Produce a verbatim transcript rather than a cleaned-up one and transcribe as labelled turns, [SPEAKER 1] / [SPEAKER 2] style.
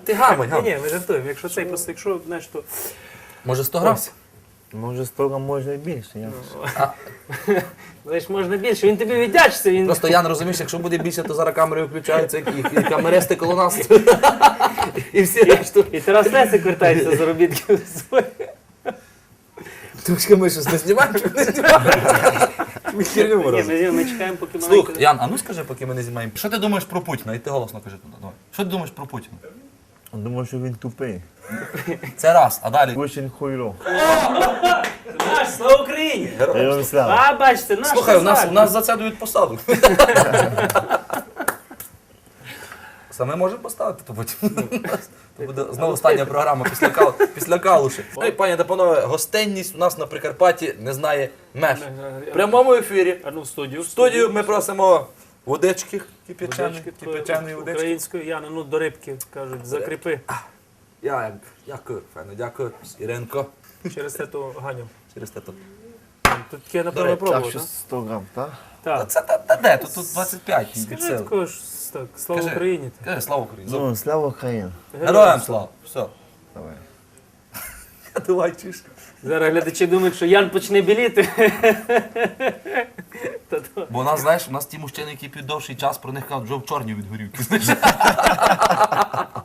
[SPEAKER 1] Ти гамай,
[SPEAKER 2] Ні,
[SPEAKER 1] гамай.
[SPEAKER 2] ні, ми жартуємо. Якщо цей просто, якщо, знаєш, то...
[SPEAKER 1] Може сто грам?
[SPEAKER 3] Може сто грам можна і більше. Я...
[SPEAKER 2] Знаєш, можна більше, він тобі віддячиться, він...
[SPEAKER 1] Просто Ян, розумієш, якщо буде більше, то зараз камери включаються, і, і камеристи коло нас. І всі решту.
[SPEAKER 2] І Тарас Лесик вертається з заробітків своїх.
[SPEAKER 1] Трошки ми щось не знімаємо, чи не знімаємо? Ми херню
[SPEAKER 2] Ні,
[SPEAKER 1] разом.
[SPEAKER 2] ми, ми чекаємо, поки
[SPEAKER 1] Слухай,
[SPEAKER 2] маленько...
[SPEAKER 1] Ян, а ну скажи, поки ми не знімаємо. Що ти думаєш про Путіна? І ти голосно кажи туди. Давай. Що ти думаєш про Путіна?
[SPEAKER 3] Думаю, що він тупий.
[SPEAKER 1] Це раз, а далі.
[SPEAKER 3] Очень хуйло.
[SPEAKER 2] Наш, слава Україні!
[SPEAKER 3] Героям слава.
[SPEAKER 2] А, бачите, наш
[SPEAKER 1] Слухай, у нас,
[SPEAKER 2] козак.
[SPEAKER 1] у нас за це дають посаду. Саме можемо поставити, то потім. То буде знову остання програма після, кал... після калуші. Ну і, пані та панове, гостинність у нас на Прикарпатті не знає меж. В прямому ефірі
[SPEAKER 2] А ну в студію.
[SPEAKER 1] в студію ми просимо водички кип'ячаної,
[SPEAKER 2] Водички,
[SPEAKER 1] кип'ячаної водички.
[SPEAKER 2] українською, Яна, ну до рибки, кажуть, закріпи.
[SPEAKER 1] Я дякую, файно, дякую. Іринко.
[SPEAKER 2] Через це то Ганю.
[SPEAKER 1] Через те тут.
[SPEAKER 2] Тут таке, напевно,
[SPEAKER 1] речі,
[SPEAKER 3] Так,
[SPEAKER 2] пробував,
[SPEAKER 3] що
[SPEAKER 2] так?
[SPEAKER 3] сто грам, так?
[SPEAKER 1] Та
[SPEAKER 2] Так.
[SPEAKER 1] це та, та де? Тут, тут двадцять п'ять. від
[SPEAKER 2] Скажи
[SPEAKER 1] сили.
[SPEAKER 2] також, так, слава
[SPEAKER 1] Кажи.
[SPEAKER 2] Україні.
[SPEAKER 1] Кажи, слава Україні.
[SPEAKER 3] Ну, слава Україні.
[SPEAKER 1] Героям слава. Все.
[SPEAKER 3] Давай.
[SPEAKER 1] Давай, чиш.
[SPEAKER 2] Зараз глядачі думають, що Ян почне біліти. Та то-
[SPEAKER 1] Бо у нас, знаєш, у нас ті мужчини, які п'ють довший час, про них кажуть, вже в чорні від горівки. Знаєш?